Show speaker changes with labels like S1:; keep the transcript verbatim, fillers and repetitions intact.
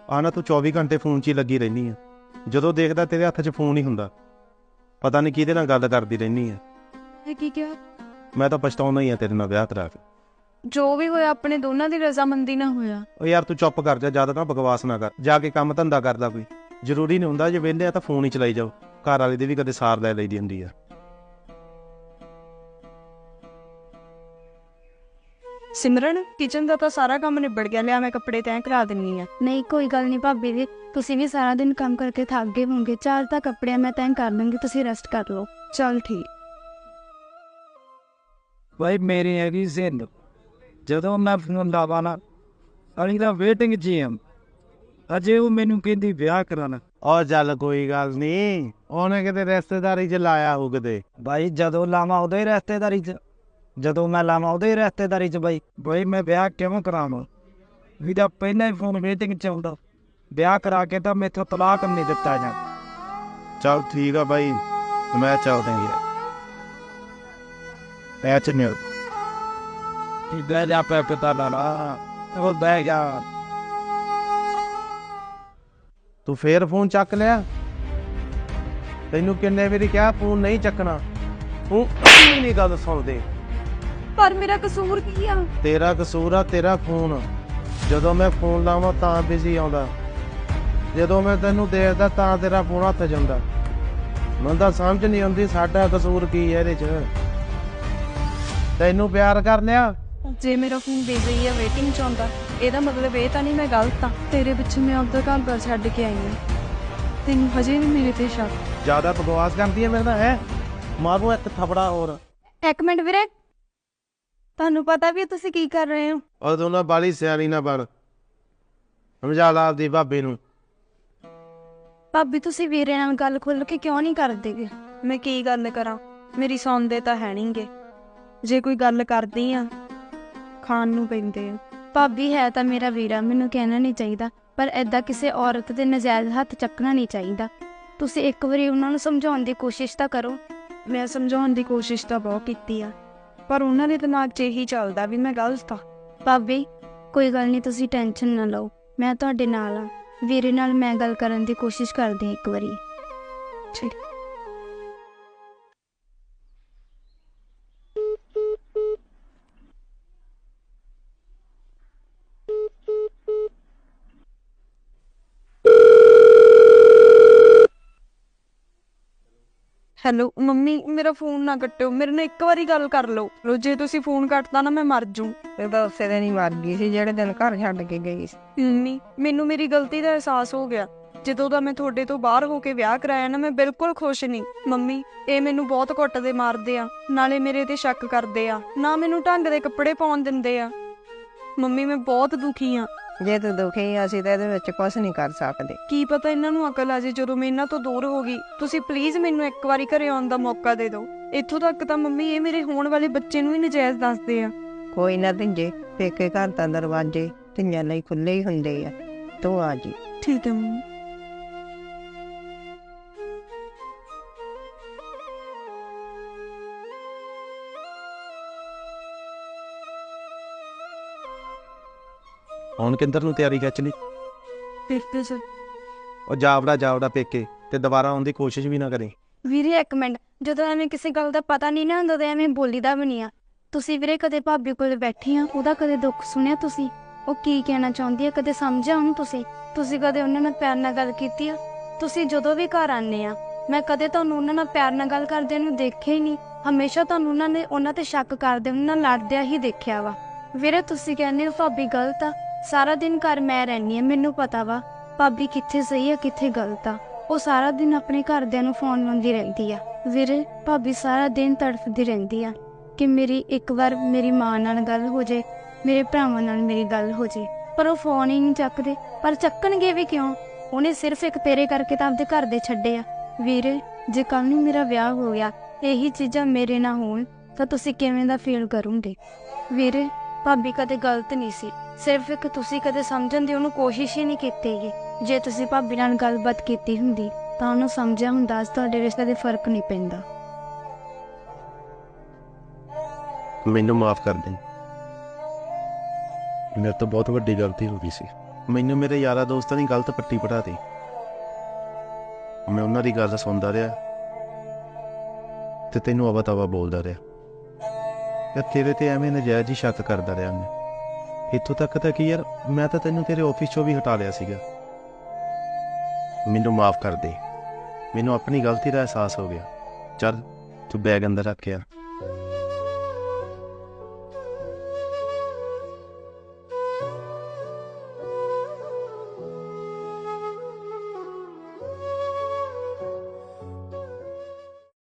S1: ਆ ਨਾ ਤੂੰ ਚੌਵੀ ਘੰਟੇ ਫੋਨ 'ਚ ਹੀ ਲੱਗੀ ਰਹਿੰਦੀ ਆ। ਜਦੋਂ ਦੇਖਦਾ ਤੇਰੇ ਹੱਥ 'ਚ ਫੋਨ ਹੀ ਹੁੰਦਾ। ਪਤਾ ਨਹੀਂ ਕਿਹਦੇ ਨਾਲ ਗੱਲ ਕਰਦੀ ਰਹਿੰਦੀ ਆ।
S2: ਇਹ ਕੀ ਕਿਹਾ?
S1: ਮੈਂ ਤਾਂ ਪਛਤਾਉਂਦਾ ਹੀ ਆ ਤੇਰੇ ਨਾਲ ਵਿਆਹ ਕਰਾ ਕੇ।
S2: ਜੋ ਵੀ ਹੋਇਆ ਆਪਣੇ ਦੋਨਾਂ ਦੀ ਰਜ਼ਾਮੰਦੀ ਨਾਲ ਹੋਇਆ।
S1: ਉਹ ਯਾਰ ਤੂੰ ਚੁੱਪ ਕਰ ਜਾ, ਜ਼ਿਆਦਾ ਨਾ ਬਕਵਾਸ ਨਾ ਕਰ। ਜਾ ਕੇ ਕੰਮ ਧੰਦਾ ਕਰਦਾ ਕੋਈ। ਜ਼ਰੂਰੀ ਨਹੀਂ ਹੁੰਦਾ ਜੇ ਵਿਹਲੇ ਆ ਤਾਂ ਫੋਨ ਹੀ ਚਲਾਈ ਜਾਓ। ਘਰ ਵਾਲੇ ਦੀ ਵੀ ਕਦੇ ਸਾਰ ਲੈ ਲਈਦੀ ਹੁੰਦੀ ਆ।
S2: ਸਿਮਰਨ, ਕਿਚਨ ਦਾ ਤਾਂ ਸਾਰਾ ਕੰਮ ਨਿਬੜ ਗਿਆ, ਲਿਆ ਮੈਂ ਕੱਪੜੇ ਤੈਅ ਕਰਾ ਦਿੰਨੀ ਆ।
S3: ਨਹੀਂ ਕੋਈ ਗੱਲ ਨਹੀਂ ਭਾਬੀ ਜੀ, ਤੁਸੀਂ ਵੀ ਸਾਰਾ ਦਿਨ ਕੰਮ ਕਰਕੇ ਥੱਕ ਗਏ ਹੋਵੋਗੇ। ਚਾਰ ਤਾਂ ਕੱਪੜਿਆਂ ਮੈਂ ਤੈਅ ਕਰ ਲੂੰਗੀ, ਤੁਸੀਂ ਰੈਸਟ ਕਰ ਲਓ।
S2: ਚੱਲ ਠੀਕ।
S4: ਭਾਈ ਮੇਰੀ ਹੈਗੀ ਜ਼ਿੰਦ, ਜਦੋਂ ਮੈਂ ਫੋਨ ਲਾਵਾਂ ਨਾ ਅਲੀ ਦਾ ਵੇਟਿੰਗ 'ਚ ਹਾਂ। ਅਜੇ ਉਹ ਮੈਨੂੰ ਕਹਿੰਦੀ ਵਿਆਹ ਕਰਾਉਣਾ।
S1: ਉਹ ਚੱਲ ਕੋਈ ਗੱਲ ਨਹੀਂ, ਉਹਨੇ ਕਿਤੇ ਰਿਸ਼ਤੇਦਾਰੀ 'ਚ ਲਾਇਆ ਹੋਊ ਕਿਤੇ।
S4: ਭਾਈ ਜਦੋਂ ਲਾਵਾਂ ਉਦੋਂ ਹੀ ਰਿਸ਼ਤੇਦਾਰੀ 'ਚ, ਜਦੋਂ ਮੈਂ ਲਾਵਾਂ ਉਦੋਂ ਹੀ ਰਿਸ਼ਤੇਦਾਰੀ 'ਚ। ਬਾਈ ਬਾਈ ਮੈਂ ਵਿਆਹ ਕਿਵੇਂ ਕਰਾਵਾਂ? ਵੀ ਤਾਂ ਪਹਿਲਾਂ ਹੀ ਫੋਨ ਵੇਟਿੰਗ 'ਚ ਆਉਂਦਾ। ਵਿਆਹ ਕਰਾ ਕੇ ਤਾਂ ਮੈਥੋਂ ਤਲਾਕ ਨਹੀਂ ਦਿੱਤਾ ਜਾ।
S1: ਚੱਲ ਠੀਕ ਆ ਬਾਈ, ਮੈਂ ਚੱਲਦਾ ਯਾਰ। ਪੈ ਚ ਨਹੀਂ
S4: ਕੀ ਬਹਿ ਜਾ ਪੈ ਪਤਾ ਲਾ ਲਾ ਉਹ ਬਹਿ ਜਾ।
S1: ਤੂੰ ਫੇਰ ਫੋਨ ਚੱਕ ਲਿਆ? ਤੈਨੂੰ ਕਿੰਨੇ ਵਾਰੀ ਕਿਹਾ ਫੋਨ ਨਹੀਂ ਚੱਕਣਾ? ਤੂੰ ਆਪਣੀ ਨਹੀਂ ਗੱਲ ਸੁਣਦੇ।
S2: ਪਰ ਮੇਰਾ ਕਸੂਰ ਕੀ ਆ?
S1: ਤੇਰਾ ਕਸੂਰ ਆ, ਤੇਰਾ ਫੋਨ। ਜਦੋਂ ਮੈਂ ਫੋਨ ਲਾਵਾਂ ਤਾਂ ਬਿਜ਼ੀ ਆਉਂਦਾ, ਜਦੋਂ ਮੈਂ ਤੈਨੂੰ ਦੇਖਦਾ ਤਾਂ ਤੇਰਾ ਫੋਨ ਹੱਥ 'ਚ ਹੁੰਦਾ। ਮੈਨੂੰ ਤਾਂ ਸਮਝ ਨਹੀਂ ਆਉਂਦੀ ਸਾਡਾ ਕਸੂਰ ਕੀ ਹੈ ਇਹਦੇ 'ਚ। ਤੈਨੂੰ ਪਿਆਰ ਕਰ ਲਿਆ।
S2: ਜੇ ਮੇਰਾ ਫੋਨ ਬਿਜ਼ੀ ਆ, ਵੇਟਿੰਗ 'ਚ ਆਉਂਦਾ, ਇਹਦਾ ਮਤਲਬ ਇਹ ਤਾਂ ਨਹੀਂ ਮੈਂ ਗਲਤ ਆ। ਤੇਰੇ ਪਿੱਛੇ ਮੈਂ ਆਪਦਾ ਘਰ ਬਾਰ ਛੱਡ ਕੇ ਆਈ ਹਾਂ, ਤੈਨੂੰ ਹਜੇ ਵੀ ਮੇਰੇ ਤੇ ਸ਼ੱਕ?
S1: ਜ਼ਿਆਦਾ ਬਕਵਾਸ ਕਰਦੀ ਹੈ ਮੇਰੇ ਨਾਲ ਹੈ। ਮਾਰੂ ਇੱਕ ਥਪੜਾ ਹੋਰ।
S3: ਇੱਕ ਮਿੰਟ ਵੀਰੇ, ਤੁਹਾਨੂੰ ਪਤਾ ਵੀ ਤੁਸੀਂ ਕੀ ਕਰ ਰਹੇ ਹੋ?
S1: ਉਹ ਤੂੰ ਨਾ ਬਾਲੀ ਸਿਆਣੀ ਨਾ ਬਣ। ਸਮਝਾ ਲਾ ਆਪਦੀ ਭਾਬੀ ਨੂੰ।
S3: ਭਾਬੀ ਤੁਸੀਂ ਵੀਰੇ ਨਾਲ ਗੱਲ ਖੁੱਲ ਕੇ ਕਿਉਂ ਨਹੀਂ ਕਰਦੇਗੇ?
S2: ਮੈਂ ਕੀ ਗੱਲ ਕਰਾਂ, ਮੇਰੀ ਸੁਣਦੇ ਤਾਂ ਹੈ ਨਹੀਂਗੇ। ਜੇ ਕੋਈ ਗੱਲ ਕਰਦੀ ਆ, ਖਾਣ ਨੂੰ ਪੈਂਦੇ ਆ।
S3: ਭਾਬੀ ਹੈ ਤਾਂ ਮੇਰਾ ਵੀਰਾ, ਮੈਨੂੰ ਕਹਿਣਾ ਨਹੀਂ ਚਾਹੀਦਾ, ਪਰ ਏਦਾਂ ਕਿਸੇ ਔਰਤ ਦੇ ਨਜਾਇਜ਼ ਹੱਥ ਚੱਕਣਾ ਨਹੀਂ ਚਾਹੀਦਾ। ਤੁਸੀਂ ਇੱਕ ਵਾਰੀ ਉਹਨਾਂ ਨੂੰ ਸਮਝਾਉਣ ਦੀ ਕੋਸ਼ਿਸ਼ ਤਾਂ ਕਰੋ।
S2: ਮੈਂ ਸਮਝਾਉਣ ਦੀ ਕੋਸ਼ਿਸ਼ ਤਾਂ ਬਹੁਤ ਕੀਤੀ ਆ, ਪਰ ਉਹਨਾਂ ਦੇ ਦਿਮਾਗ 'ਚ ਇਹੀ ਚੱਲਦਾ ਵੀ ਮੈਂ ਗਲਤ ਆ।
S3: ਭਾਬੀ ਕੋਈ ਗੱਲ ਨਹੀਂ, ਤੁਸੀਂ ਟੈਨਸ਼ਨ ਨਾ ਲਓ, ਮੈਂ ਤੁਹਾਡੇ ਨਾਲ ਆ। ਵੀਰੇ ਨਾਲ ਮੈਂ ਗੱਲ ਕਰਨ ਦੀ ਕੋਸ਼ਿਸ਼ ਕਰਦੀ ਹਾਂ ਇੱਕ ਵਾਰੀ।
S2: ਠੀਕ। ਹੈਲੋ ਮੰਮੀ, ਮੇਰਾ ਫੋਨ ਨਾ ਕੱਟਿਓ, ਮੇਰੇ ਨਾਲ ਇੱਕ ਵਾਰੀ ਗੱਲ ਕਰ ਲਓ। ਜੇ ਤੁਸੀਂ ਫੋਨ ਕੱਟਦਾ ਨਾ ਮੈਂ ਮਰ ਜੂ।
S5: ਇਹ ਤਾਂ ਉਸੇ ਦਿਨ ਹੀ ਮਰ ਗਈ ਸੀ ਜਿਹੜੇ ਦਿਨ ਘਰ ਛੱਡ ਕੇ ਗਈ ਸੀ।
S2: ਮੰਮੀ ਮੈਨੂੰ ਮੇਰੀ ਗਲਤੀ ਦਾ ਅਹਿਸਾਸ ਹੋ ਗਿਆ। ਜਦੋਂ ਦਾ ਮੈਂ ਤੁਹਾਡੇ ਤੋਂ ਬਾਹਰ ਹੋ ਕੇ ਵਿਆਹ ਕਰਾਇਆ ਨਾ, ਮੈਂ ਬਿਲਕੁਲ ਖੁਸ਼ ਨਹੀਂ। ਮੰਮੀ ਇਹ ਮੈਨੂੰ ਬਹੁਤ ਕੁੱਟਦੇ ਮਾਰਦੇ ਆ, ਨਾਲੇ ਮੇਰੇ ਤੇ ਸ਼ੱਕ ਕਰਦੇ ਆ, ਨਾ ਮੈਨੂੰ ਢੰਗ ਦੇ ਕੱਪੜੇ ਪਾਉਣ ਦਿੰਦੇ ਆ। ਮੰਮੀ ਮੈਂ ਬਹੁਤ ਦੁਖੀ ਆ।
S5: ਜੇ ਤੂੰ ਦੁਖੀ ਆ, ਅਸੀਂ ਤਾਂ ਇਹਦੇ ਵਿੱਚ ਕੁਝ ਨਹੀਂ ਕਰ ਸਕਦੇ।
S2: ਕੀ ਪਤਾ ਇਹਨਾਂ ਨੂੰ ਅਕਲ ਆ ਜੇ ਜਦੋਂ ਮੈਂ ਇਹਨਾਂ ਤੋਂ ਦੂਰ ਹੋ ਗਈ। ਤੁਸੀਂ ਪਲੀਜ਼ ਮੈਨੂੰ ਇੱਕ ਵਾਰੀ ਘਰੇ ਆਉਣ ਦਾ ਮੌਕਾ ਦੇ ਦਿਓ। ਇੱਥੋਂ ਤੱਕ ਤਾਂ ਮੰਮੀ ਇਹ ਮੇਰੇ ਹੋਣ ਵਾਲੇ ਬੱਚੇ ਨੂੰ ਹੀ ਨਜਾਇਜ਼ ਦੱਸਦੇ ਆ।
S5: ਕੋਈ ਨਾ ਧੀਏ, ਪੇਕੇ ਘਰ ਤਾਂ ਦਰਵਾਜ਼ੇ ਧੀਆਂ ਲਈ ਖੁੱਲੇ ਹੀ ਹੁੰਦੇ ਆ। ਤੂੰ ਆ ਜੀ।
S2: ਠੀਕ ਹੈ ਮੰਮੀ।
S1: ਹੁਣ ਕਿੰਦਰ ਨੂੰ ਤਿਆਰੀ ਖਿੱਚ ਲਈ।
S2: ਪੇਕੇ ਚ
S1: ਉਹ ਜਾਵੜਾ ਜਾਵੜਾ ਪੇਕੇ, ਤੇ ਦੁਬਾਰਾ ਆਉਣ ਦੀ ਕੋਸ਼ਿਸ਼ ਵੀ ਨਾ ਕਰੀ।
S3: ਵੀਰੇ ਇੱਕ ਮਿੰਟ, ਜਦੋਂ ਐਵੇਂ ਕਿਸੇ ਗੱਲ ਦਾ ਪਤਾ ਨਹੀਂ ਨਾ ਹੁੰਦਾ ਤਾਂ ਐਵੇਂ ਬੋਲੀਦਾ ਵੀ ਨਹੀਂ ਆ। ਤੁਸੀਂ ਵੀਰੇ ਕਦੇ ਭਾਬੀ ਕੋਲ ਬੈਠੀ ਆ, ਉਹਦਾ ਕਦੇ ਦੁੱਖ ਸੁਣਿਆ ਤੁਸੀਂ? ਉਹ ਕੀ ਕਹਿਣਾ ਚਾਹੁੰਦੀ ਆ ਕਦੇ ਸਮਝਿਆ ਉਹਨੂੰ? ਤੁਸੀਂ ਤੁਸੀਂ ਕਦੇ ਉਹਨਾਂ ਨਾਲ ਪਿਆਰ ਨਾਲ ਗੱਲ ਕੀਤੀ ਆ? ਤੁਸੀਂ ਜਦੋਂ ਵੀ ਘਰ ਆਉਂਦੇ ਆ, ਮੈਂ ਕਦੇ ਤੁਹਾਨੂੰ ਉਹਨਾਂ ਨਾਲ ਪਿਆਰ ਨਾਲ ਗੱਲ ਕਰਦੇ ਨੂੰ ਦੇਖਿਆ ਹੀ ਨਹੀਂ। ਹਮੇਸ਼ਾ ਤੁਹਾਨੂੰ ਉਹਨਾਂ ਨੇ ਉਹਨਾਂ ਤੇ ਸ਼ੱਕ ਕਰਦੇ, ਉਹਨਾਂ ਨਾਲ ਲੜਦਿਆਂ ਹੀ ਦੇਖਿਆ ਵਾ। ਵੀਰੇ ਤੁਸੀਂ ਕਹਿੰਦੇ ਹੋ ਭਾਬੀ ਗਲਤ ਆ। ਸਾਰਾ ਦਿਨ ਘਰ ਮੈਂ ਰਹਿੰਦੀ ਆ, ਮੈਨੂੰ ਪਤਾ ਵਾ ਭਾਬੀ ਕਿੱਥੇ ਸਹੀ ਆ ਕਿੱਥੇ ਗਲਤ ਆ। ਉਹ ਸਾਰਾ ਦਿਨ ਆਪਣੇ ਘਰਦਿਆਂ ਨੂੰ ਫੋਨ ਲਾਉਂਦੀ ਰਹਿੰਦੀ ਆ। ਵੀਰੇ ਭਾਬੀ ਸਾਰਾ ਦਿਨ ਤੜਫਦੀ ਰਹਿੰਦੀ ਆ ਕਿ ਮੇਰੀ ਇੱਕ ਵਾਰ ਮੇਰੀ ਮਾਂ ਨਾਲ ਗੱਲ ਹੋ ਜੇ, ਮੇਰੇ ਭਰਾਵਾਂ ਨਾਲ ਮੇਰੀ ਗੱਲ ਹੋ ਜੇ, ਪਰ ਉਹ ਫੋਨ ਹੀ ਨਹੀਂ ਚੱਕਦੇ। ਪਰ ਚੱਕਣਗੇ ਵੀ ਕਿਉਂ? ਉਹਨੇ ਸਿਰਫ ਇੱਕ ਤੇਰੇ ਕਰਕੇ ਤਾਂ ਆਪਦੇ ਘਰ ਦੇ ਛੱਡੇ ਆ। ਵੀਰੇ ਜੇ ਕੱਲ ਨੂੰ ਮੇਰਾ ਵਿਆਹ ਹੋ ਗਿਆ, ਇਹੀ ਚੀਜ਼ਾਂ ਮੇਰੇ ਨਾਲ ਹੋਣ ਤਾਂ ਤੁਸੀਂ ਕਿਵੇਂ ਦਾ ਫੀਲ ਕਰੋਗੇ? ਵੀਰੇ ਭਾਬੀ ਕਦੇ ਗਲਤ ਨਹੀਂ ਸੀ, ਸਿਰਫ ਇੱਕ ਤੁਸੀਂ ਕਦੇ ਸਮਝਣ ਦੀ ਉਹਨੂੰ ਕੋਸ਼ਿਸ਼ ਹੀ ਨਹੀਂ ਕੀਤੀ ਗੀ। ਜੇ ਤੁਸੀਂ ਭਾਬੀ ਨਾਲ ਗੱਲਬਾਤ ਕੀਤੀ ਹੁੰਦੀ ਤਾਂ ਉਹਨੂੰ ਸਮਝਿਆ ਹੁੰਦਾ ਅੱਜ ਤੁਹਾਡੇ ਰਿਸ਼ਤੇ ਦੇ ਫਰਕ ਨਹੀਂ ਪੈਂਦਾ।
S1: ਮੈਨੂੰ ਮਾਫ ਕਰ ਦੇ, ਮੇਰੇ ਤੋਂ ਬਹੁਤ ਵੱਡੀ ਗਲਤੀ ਹੋ ਗਈ ਸੀ। ਮੈਨੂੰ ਮੇਰੇ ਯਾਰਾਂ ਦੋਸਤਾਂ ਦੀ ਗਲਤ ਪੱਟੀ ਪੜਾਤੀ। ਮੈਂ ਉਹਨਾਂ ਦੀ ਗੱਲ ਸੁਣਦਾ ਰਿਹਾ ਤੇ ਤੈਨੂੰ ਅਵਾ ਤਵਾ ਬੋਲਦਾ ਰਿਹਾ ਯਾਰ, ਤੇਰੇ ਤੇ ਐਵੇਂ ਨਜਾਇਜ਼ ਹੀ ਸ਼ੱਕ ਕਰਦਾ ਰਿਹਾ ਮੈਂ। ਇੱਥੋਂ ਤੱਕ ਤਾਂ ਕਿ ਯਾਰ ਮੈਂ ਤਾਂ ਤੈਨੂੰ ਤੇਰੇ ਆਫਿਸ ਚੋਂ ਵੀ ਹਟਾ ਲਿਆ ਸੀਗਾ। ਮੈਨੂੰ ਮਾਫ ਕਰ ਦੇ, ਮੈਨੂੰ ਆਪਣੀ ਗਲਤੀ ਦਾ ਅਹਿਸਾਸ ਹੋ ਗਿਆ। ਚੱਲ ਤੂੰ ਬੈਗ ਅੰਦਰ ਰੱਖ ਯਾਰ।